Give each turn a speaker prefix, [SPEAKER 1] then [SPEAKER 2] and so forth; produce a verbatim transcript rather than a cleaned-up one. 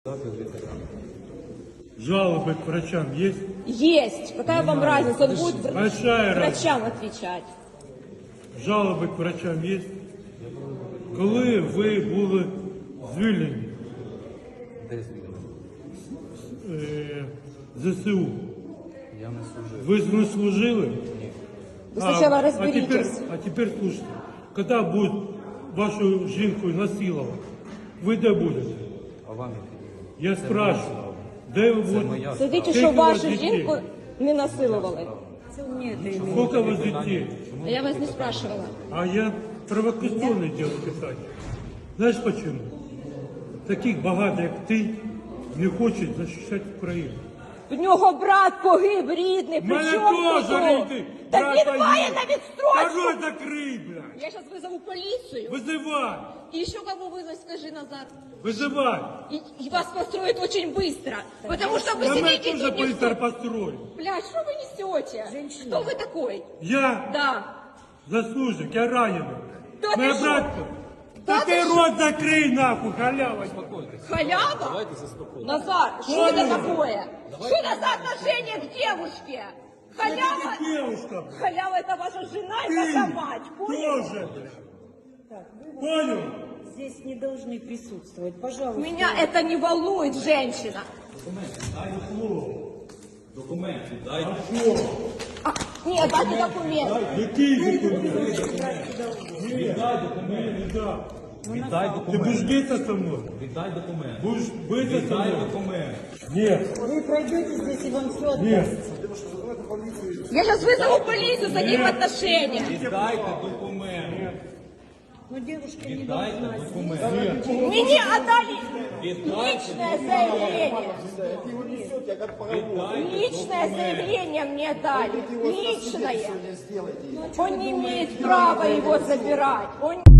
[SPEAKER 1] Жалобы к врачам есть?
[SPEAKER 2] Есть. Какая вам разница? Он будет
[SPEAKER 1] Большая
[SPEAKER 2] врачам отвечать.
[SPEAKER 1] Жалоби к врачам є? Коли ви були звільнені?
[SPEAKER 3] Де звільнені?
[SPEAKER 1] Е, ЗСУ.
[SPEAKER 3] Я не служив.
[SPEAKER 1] Ви не служили?
[SPEAKER 3] Ні.
[SPEAKER 2] Вы сначала
[SPEAKER 1] а,
[SPEAKER 2] разберитесь.
[SPEAKER 1] А теперь, а теперь слушайте, когда будут вашу жінку насилувати, ви де будете?
[SPEAKER 3] А вам які?
[SPEAKER 1] Я спрашиваю, де ви будете?
[SPEAKER 3] моя
[SPEAKER 2] Следите,
[SPEAKER 1] Скільки
[SPEAKER 2] що
[SPEAKER 1] у вас
[SPEAKER 2] вашу
[SPEAKER 1] дітей?
[SPEAKER 2] жінку не насилували.
[SPEAKER 1] Сколько у вас детей?
[SPEAKER 2] Я вас не спрашивала.
[SPEAKER 1] А я провокационное дело писать. Знаешь почему? Таких багато, як ти, не хочуть захищати Україну.
[SPEAKER 2] В нього брат погиб рідний, при
[SPEAKER 1] Мене
[SPEAKER 2] чому
[SPEAKER 1] теж
[SPEAKER 2] тут?
[SPEAKER 1] рідний.
[SPEAKER 2] Та
[SPEAKER 1] брат
[SPEAKER 2] він
[SPEAKER 1] погиб.
[SPEAKER 2] має на відстрочку.
[SPEAKER 1] Та рот закрий, блядь.
[SPEAKER 2] Я сейчас вызову полицию.
[SPEAKER 1] Визивай,
[SPEAKER 2] И еще кого вызвать, скажи, Назар.
[SPEAKER 1] визивай.
[SPEAKER 2] И, и вас построят очень быстро. Потому что вы
[SPEAKER 1] Я мене
[SPEAKER 2] сидите
[SPEAKER 1] теж
[SPEAKER 2] тут не...
[SPEAKER 1] быстро построю.
[SPEAKER 2] Блядь, что вы несете? Кто вы такой?
[SPEAKER 1] Я
[SPEAKER 2] Да.
[SPEAKER 1] заслужник, я ранений.
[SPEAKER 2] Да
[SPEAKER 1] Моя
[SPEAKER 2] ти що?
[SPEAKER 1] братка.
[SPEAKER 2] Да
[SPEAKER 1] Та
[SPEAKER 2] ти
[SPEAKER 1] ти
[SPEAKER 2] що?
[SPEAKER 1] рот закрий, нахуй, халява.
[SPEAKER 2] Халява?
[SPEAKER 3] Давайте заспокоїмо.
[SPEAKER 2] Назар, что
[SPEAKER 1] Понял.
[SPEAKER 2] это такое? Что это за отношение к девушке? Халява?
[SPEAKER 1] Ты девушка, блядь.
[SPEAKER 2] Халява это ваша жена и
[SPEAKER 1] Ты
[SPEAKER 2] ваша мать, понял?
[SPEAKER 1] тоже, блядь. Понял?
[SPEAKER 4] Здесь не должны присутствовать, пожалуйста.
[SPEAKER 2] Меня это не волнует, женщина.
[SPEAKER 3] Документи, дай.
[SPEAKER 2] А, нет, дайте документы.
[SPEAKER 1] Який документ?
[SPEAKER 3] Віддай документ.
[SPEAKER 1] Не дам.
[SPEAKER 3] Віддай
[SPEAKER 1] Ты
[SPEAKER 3] документ.
[SPEAKER 1] будешь биться со мной?
[SPEAKER 3] Віддай документ.
[SPEAKER 1] Будешь биться со
[SPEAKER 3] Віддай
[SPEAKER 1] мной?
[SPEAKER 3] документ.
[SPEAKER 1] Нет,
[SPEAKER 4] Вы пройдете здесь, и вам все отдастся.
[SPEAKER 1] нет.
[SPEAKER 2] Я сейчас вызову полицию за них отношения.
[SPEAKER 3] Віддайте документ.
[SPEAKER 4] Но девушка не
[SPEAKER 3] Віддайте
[SPEAKER 4] должна.
[SPEAKER 3] документ.
[SPEAKER 2] Мне отдали личное заявление. Личное заявление мне дали. Личное. Он не имеет права его забирать. Он...